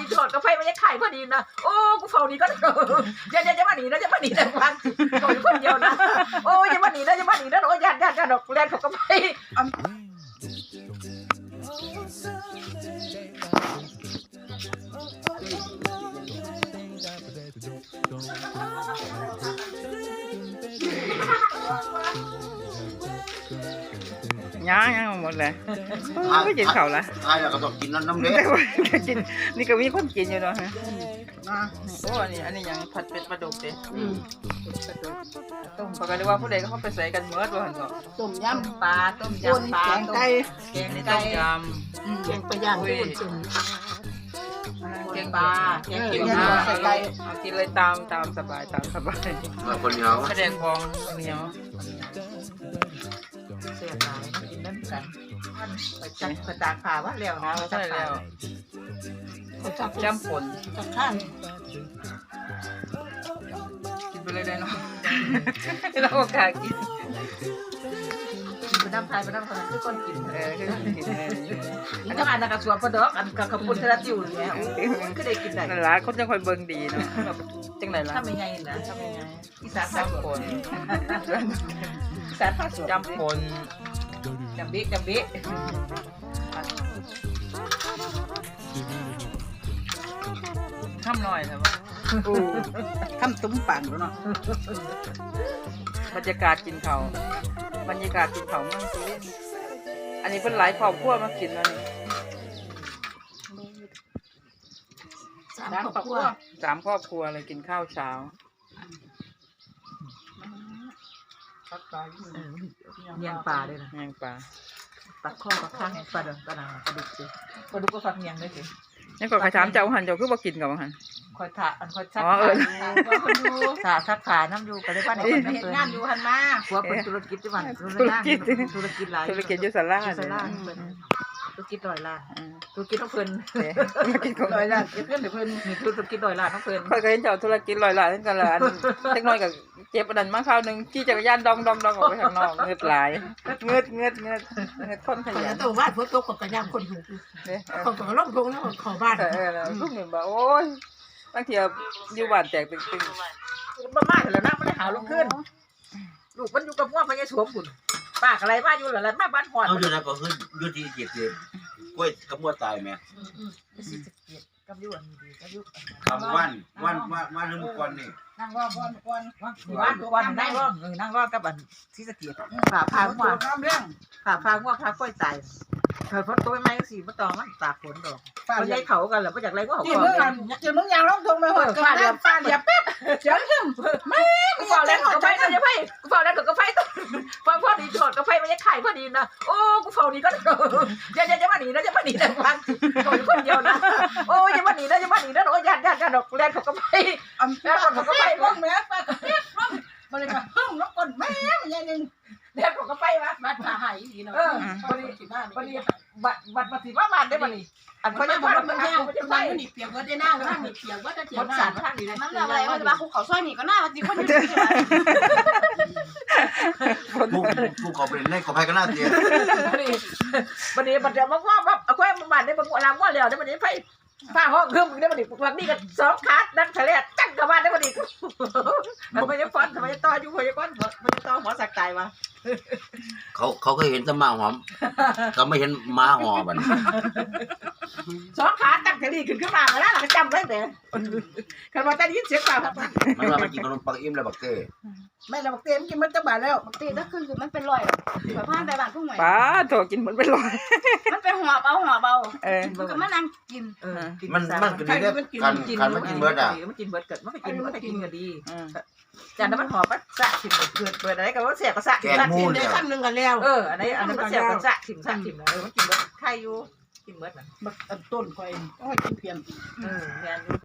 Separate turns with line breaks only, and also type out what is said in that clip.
ดีถอดกาแฟมันยังขายพอดีนะโอ้กูเฝ้านี่ก็จะมาหนีนะจะมาหนีนะฟังโดนคนเดียวนะโอ้จะมาหนีนะโอ้ยญาติดอกแลนเขาก็ไป
ยังหมดเลยไม่กินเขาละ
ตายแล้วก็ต้องกินน้ำเล็ก
กินนี่ก็มีคนกินอยู่เนาะฮะโอ้อันนี้ยังผัดเป็ดปลาดุกเด้ต้มปกติว่าผู้ใดก็เขาไปใส่กันเมื่อตัวหันก็
ต้มยำ
ปลาต้มยำปลา
แกงไก่
แกง
ต้
ไก่
มย
แกงปลาย่างต้มจุ่ม
แกงปลาแกง
แก
เขียว
ง
หน้า
ใส่ไก่
เอากินเลยตามสบาย
คนเหนียว
แสดงฟองเหนียว
เสียหายกินนั่นกันมันไปจัดกระจางขาว่าแล้วนะ
ใช่แล้ว
จับ
จ้ำฝน
จับข้าง
กินไปเลยได้เนาะเราโอกาสกิน
ไปน้ำไทยไปน้ำคนนั้นคือคนกิน
คือกินเลย
อันนั้นอันนั้นกระสวมกระดอกอันกับขบุนทรัตอยู่เนี่ยก็ได้กินได้
นั่นละคนจังคอยเบิ่งดีเนาะจังไหนล่ะ
ทำยังไงนะทำยังไงอีสานภาค
จ้ำฝน
อีสานภาคสวน
จ้ำฝน
จำบิ
ข้ามหน่อยนะว่า
โอ้ทำตุ้มปังแล้วเนาะ
บรรยากาศกินเขาบรรยากาศกินเขาเมืองสุรินทร์อันนี้เป็นหลายครอบครัวมากินแล้วนี่
3 ครอบครัว
3 ครอบครัวเลยกินข้าวเช้า
เนียงปลาด้วยนะ
แมงปลา
ปลาข้อปลาข้างปลาเดินปลาหนาปลาดุกสิปลาดุกก็ฟักเนียงด้วยสิ
นี่ก็ขายถามเจ้าหันเจ้าคือบ่กินกับหัน
คอยถ่าอันคอยชัก
อ๋อ
ถ่าชักขาน้ำอยู่ก็ได้บ้านไหนคนน้ำเปิด
งานอยู่หันมา
หัวเป็นธุรกิจที่บ้านธุรกิจหลาย
ธุรกิจอยู่ศาลา
ธุรกิจ100 ล้านธุรกิจต้องเพิ่น
ธุรกิจของ
100 ล้านเก็บเงินให้เพิ่น
มีธุรกิจ100 ล้านต้องเพิ่น
ค่อยก็เห็นเจ้าธุรกิจลอยหลายทั้งกันละอันเล็กน้อยกับเจ็บอันนั้นมาคราวหนึงขี่จักรยานดองออกไปข้างนอกเงือดหลายเงือดคนข
แต่
ยัน
ตัวบ้านฝนตกกับย่างคนอยู่
เนี่ย
คนก็ลงทงแล้วขอบ้าน
ลูกหนึ่งบอกโอ้ยบางทีอยู่บ้านแตกตึง
บ้านๆแล้วนะมันได้หาลงขึ้นลูกมันอยู่กับพ่อพญาสวมบุญปากอะไรมาอยู่หลายมาบ้านหอด
เอาอยู่นะก็คืออยู่ที่เจ็ดเดือนกล้วยกระมัวตายไหม
กับยุ่อันดีกับยุ่
คำวันนึงก่อนนี่
นั่งรอก่อน
บ้านวันนั่งร้องนั่งร้องกับอันที่สะเกียดผ่าพางว่า
น้ำเรื่อง
ผ่าพางว่าพาค่อยตายเธอพ้นตัวไม่สีมาตองมันตากฝนดอก
ป้า
มัน
ใหญ่
ใหญ่เขากันเหรอมาจากไรก็เขา
ที่
ก่
มึง
อน
ที่มึงยางลงทงไปหอดกันแล้วป้าเดี๋ยวแป๊บเดี๋ยวขึ้นไม่
กูเฝ้าแล้วกาแฟมันจะไฟกูเฝ้าแล้วกาแฟฟังพ่อดีถอดกาแฟมันจะขายพอดีนะโอ้กูเฝ้านี่ก็จะมาหนีนะฟังโดนคนเดียวนะโอ้จะมาหนีนะโอ้ยญาติดอกแลนเขาก็ไป
แล้วเขาก็ไปลงแม่ป้าก็เก็บลงบริการห้องแล้วก่อนแม่มันยังนึง
แลนเขาก็ไปวะ
บ้านผาหายดีเนาะวันนี้ที่บ้าน
วันนี้บัดมาสิว่ามันได้บัดนี้อัน
เขา
เขา
จะ
จะ
บบ อ
อก ก
ว่า
ว่า
มั
มัน น
แห้
แห้
ง
ง
มั
มัน น
จะ
จะ
ไป
ไป
มันนี่เปียกว่าได้หน้าก็นั่งนี่เปียกว่าจะเจีย
มัน
หน้า
สั่นทางนี้นะ
มันแบบอะไรมันจะมาคุกเขาซอยนี่ก็น่าจริงคนอยู่ที่ไหน
ผู้เขาเป็นเล่นกับใครก็น่าเตีย
วันนี้มันจะมาว่าแบบเอาแค่มันบาดได้บางวันลามว่าแล้วได้วันนี้ไฟฟ้าห้องเครื่องมึงได้วันนี้วันนี้ก็2 ขาดังทะเลจังกับบ้านได้วันนี้มันไม่ได้ฟอนทำไมต่ออยู่พยาก้อนมันต่อหัวสักตายมา
เขาเคยเห็นแต่หมาหอมเขาไม่เห็นหมาหอมมัน
2 ขาตั้งทะเลขึ้นมาแล้วเราจำได้แต่คันว่าแต่ยินเสียงเปล่า
มันว่ามันกินขนมปังอิ่มแล้วบักเต้
แม่เราบอกเต็มกินมันจะบาดแล้ว
ตีถ้าขึ้นคือมันเป็นรอยแบบผ่านไปบ้านผู้ใหม่
ป้าโถกินเหมือนเป็นลอย
มันเป็นหัวเบามันก็มานั่งกิน
มันก็ดีได้การมันกินเบิร์ดอ่ะ
มันกินเบิร์ดเกิดมันไปกินมันไปกินก็ดีจากนั้นมันหอมมันสะถิ่มเกิดอะไรก็ว่าเสียก็สะ
แกงมู
กิน
น
ได้
เนี่ย
ขั้นนึงกันแล้ว
อันนี้มันเสียก็สะถิ่มมันกินเบิร์ดไข่อยู่กินเบิร์ดมัน
ต้นคอยต้องให้กินเพียง
แม่น